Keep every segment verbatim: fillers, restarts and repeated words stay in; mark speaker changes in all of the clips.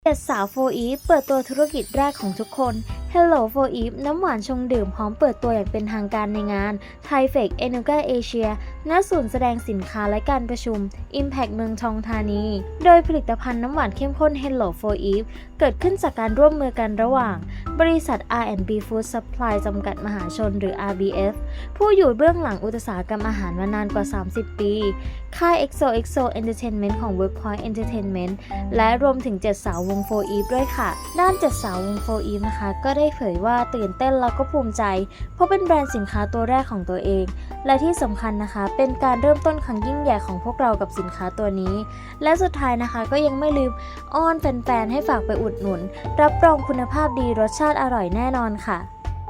Speaker 1: เจ็ดสาวโฟอีฟเปิดตัวธุรกิจแรกของทุกคน Hello โฟอีฟน้ำหวานชงดื่มพร้อมเปิดตัวอย่างเป็นทางการในงาน Thai Fake Enuga Asia ณ ศูนย์แสดงสินค้าและการประชุม Impact เมืองทองธานี โดยผลิตภัณฑ์น้ำหวานเข้มข้น Hello โฟอีฟเกิดขึ้นจากการร่วมมือกันระหว่าง บริษัท อาร์ แอนด์ บี Food Supply จำกัดมหาชนหรือ อาร์ บี เอฟ ผู้อยู่เบื้องหลังอุตสาหกรรมอาหารมานานกว่า สามสิบ ปี ค่าย เอ็กโซ เอ็กโซ Entertainment ของ Workpoint Entertainment และรวมถึงเจ็ดสาววงโฟอีฟด้วยค่ะด้านเจ็ดสาววงโฟอีฟนะคะก็ได้เผยว่าตื่นเต้นแล้วก็ภูมิใจเพราะเป็นแบรนด์สินค้าตัวแรกของตัวเองและที่สำคัญนะคะเป็นการเริ่มต้นครั้งยิ่งใหญ่ของพวกเรากับสินค้าตัวนี้และสุดท้ายนะคะก็ยังไม่ลืมอ้อนแฟนๆให้ฝากไปอุดหนุนรับรองคุณภาพดีรสชาติอร่อยแน่นอนค่ะ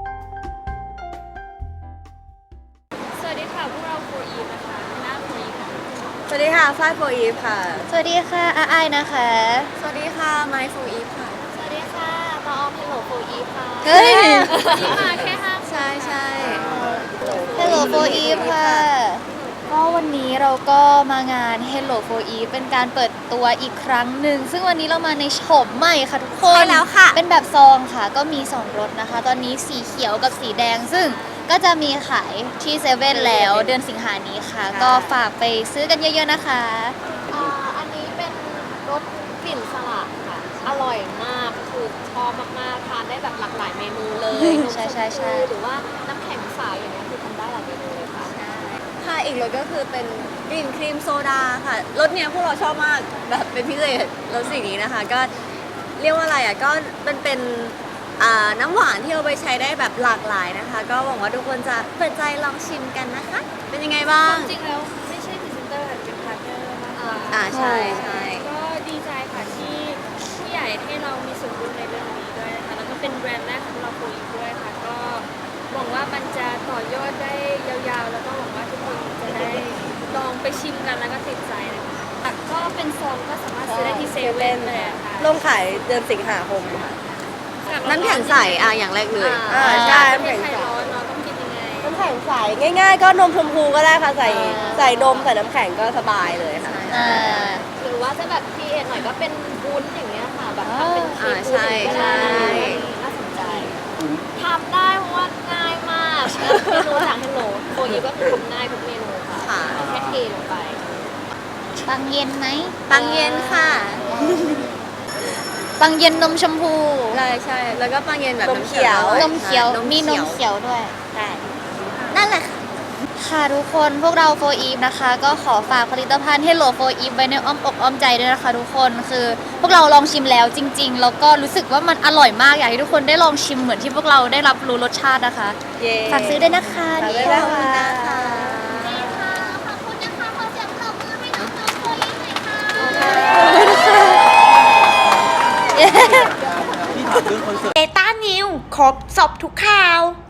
Speaker 2: สวัสดีค่ะพวกเราโฟอีฟนะคะหน้าโฟอีฟค่ะ
Speaker 3: สวัสดีค่ะฝ้ายโฟอีฟค่ะ
Speaker 1: สวัสดีค่ะอาไอนะคะ
Speaker 3: สวัสดีค่ะไมค์โฟอีฟค่ะ
Speaker 2: สวัสดีค่ะมาออมเฮลโลโฟอีฟค่ะ
Speaker 1: เฮ้ย
Speaker 2: ที่มาแค่ห้า
Speaker 3: ใช่ใช่
Speaker 1: Hello โฟอีฟค่ะก็วันนี้เราก็มางาน Hello โฟอีฟเป็นการเปิดตัวอีกครั้งหนึ่งซึ่งวันนี้เรามาในโฉมใหม่ค่ะทุกคน
Speaker 3: ใช่แล้วค่ะ
Speaker 1: เป็นแบบซองค่ะก็มีสองรสนะคะตอนนี้สีเขียวกับสีแดงซึ่งก็จะมีขายที่เซเว่นแล้วเดือนสิงหานี้ค่ะก็ฝากไปซื้อกันเยอะๆนะคะ
Speaker 2: อ่าอันนี้เป็นรสกลิ่นสลัดค่ะอร่อยมากคือชอบมากๆทานได้แบบหลากหลายเมนูเลย
Speaker 1: ใช่ใช่ใช่
Speaker 2: หรือว่าน้ำแข็งใสอย่างเงี้ยคือทำได้หลายเมนูเลยค่ะ
Speaker 3: ค่ะอีกรสก็คือเป็นกลิ่นครีมโซดาค่ะรสเนี้ยพวกเราชอบมากแบบเป็นพิเศษรสสีนี้นะคะก็เรียกว่าอะไรอ่ะก็เป็นเป็นน้ำหวานที่เอาไปใช้ได้แบบหลากหลายนะคะก็หวังว่าทุกคนจะเปิดใจลองชิมกันนะคะเป็นยังไงบ้าง
Speaker 2: จริงแล้วไม่ใช่พรีเซนเตอร์เป็นพาร์ทเนอร์มากกว่า
Speaker 3: อ่าใช่ใช่
Speaker 2: ก็ดีใจค่ะที่ที่ใหญ่ให้เรามีส่วนร่วมในเรื่องนี้ด้วยนะคะแล้วก็เป็นแบรนด์แรกของเราโฟอีฟด้วยค่ะก็หวังว่ามันจะต่อยอดได้ยาวๆแล้วก็หวังว่าทุกคนจะได้ลองไปชิมกันแล้วก็ติดใจนะคะก็เป็นซองก็สามารถซื้อได้ที่เซเว่นเลยค่ะ
Speaker 3: ลงขายเดือนสิงหาคมค่ะน้ำแข็งใสอ่ะอย่างแรกเลย
Speaker 2: อ่า
Speaker 3: ใช่
Speaker 2: น้ำแข็งใสร้อนเนาะต้องกินยังไง
Speaker 3: น้ำแข็งใสง่ายๆก็นมชมพูก็ได้ค่ะใส่ใส่นมใส่น้ำแข็งก็สบายเลยค่ะ
Speaker 2: หรือว่าจะแบบพีเอ็นหน่อยก็เป็นวุ้นอย่างเงี้ยค่ะแบบทำเป็นครีมวุ้น
Speaker 3: ใช่ใช่
Speaker 2: น่าสนใจทำได้เพราะว่าง่ายมากเมนูจากเฮลโลโฟอีฟก็คือทำง่ายทุกเมนูค่ะแค่เทลงไป
Speaker 1: ปังเย็นไหม
Speaker 3: ปังเย็นค่ะ
Speaker 1: ปังเย็นนมชมพู
Speaker 3: ใช่ใช่แล้วก็ปังเย็นแบบนมเขียวน
Speaker 1: มเขียวมีนมเขียวด้วย
Speaker 3: ใช่นั่นแหละค่ะ
Speaker 1: ค่ะทุกคนพวกเราโฟอีฟนะคะก็ขอฝากผลิตภัณฑ์ Hello โฟอีฟไว้ในอ้อมอกอ้อมใจด้วยนะคะทุกคนคือพวกเราลองชิมแล้วจริงๆแล้วก็รู้สึกว่ามันอร่อยมากอยากให้ทุกคนได้ลองชิมเหมือนที่พวกเราได้รับรู้รสชาตินะคะฝากซื้อด้วยนะคะ
Speaker 3: ฝากด้วยนะคะ
Speaker 1: เอต้านิวครบสอบทุกข่าว